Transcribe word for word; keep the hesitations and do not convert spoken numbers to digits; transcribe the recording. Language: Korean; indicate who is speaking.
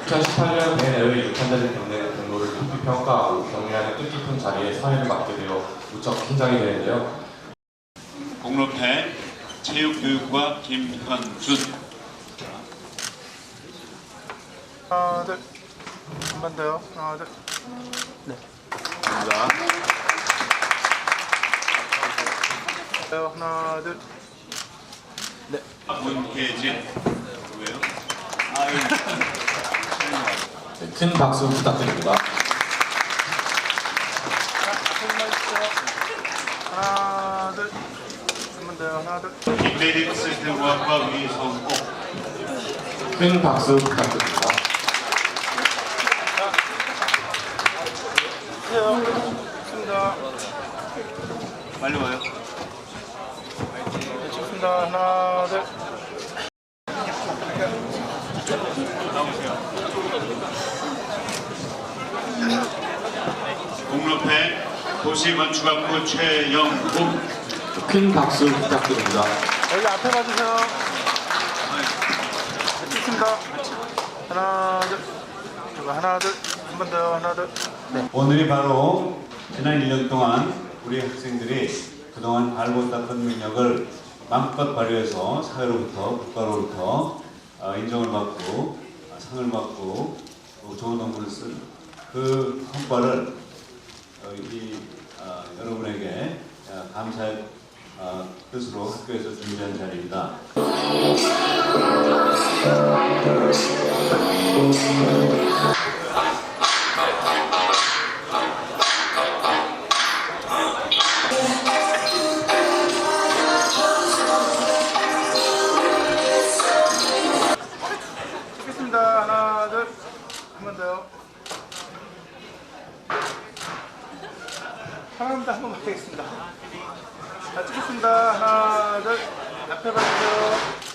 Speaker 1: 이천십팔 년 대내의 유탄자들 경례 경로를 높이 평가하고 격려하는 뜻깊은 자리에 사회를 맡게 되어 무척 긴장이 되는데요.
Speaker 2: 공로패 체육교육과 김현준.
Speaker 3: 하나 둘, 한 번 더요. 하나 둘. 네.
Speaker 2: 감사합니다.
Speaker 3: 하나 둘. 네.
Speaker 2: 문혜진 누구예요? 아유.
Speaker 1: 네, 큰 박수 부탁드립니다.
Speaker 3: 하나 둘. 한 번 더요. 하나 둘.
Speaker 2: 김대립 시스템과학과 위성옥.
Speaker 1: 큰 박수 부탁드립니다.
Speaker 3: 좋습니다.
Speaker 2: 빨리 와요.
Speaker 3: 네, 좋습니다. 하나 둘.
Speaker 2: 나오세요. 공로패 도시건축학부 최영국.
Speaker 1: 큰 박수 부탁드립니다.
Speaker 3: 여기 앞에 봐주세요. 네, 좋습니다. 하나 둘. 그리고 하나 둘. 한 번 더요. 하나 둘. 네.
Speaker 4: 오늘이 바로 지난 일 년 동안 우리 학생들이 그동안 발못 닦은 능력을 마음껏 발휘해서 사회로부터 국가로부터 인정을 받고 상을 받고 좋은 논문을 쓴 그 성과를 이 여러분에게 감사의 뜻으로 학교에서 준비한 자리입니다.
Speaker 3: 찍겠습니다. 하나 둘. 한 번 더요. 하나입니다. 한 번만 하겠습니다. 자, 찍겠습니다. 하나 둘. 앞에 봐주세요.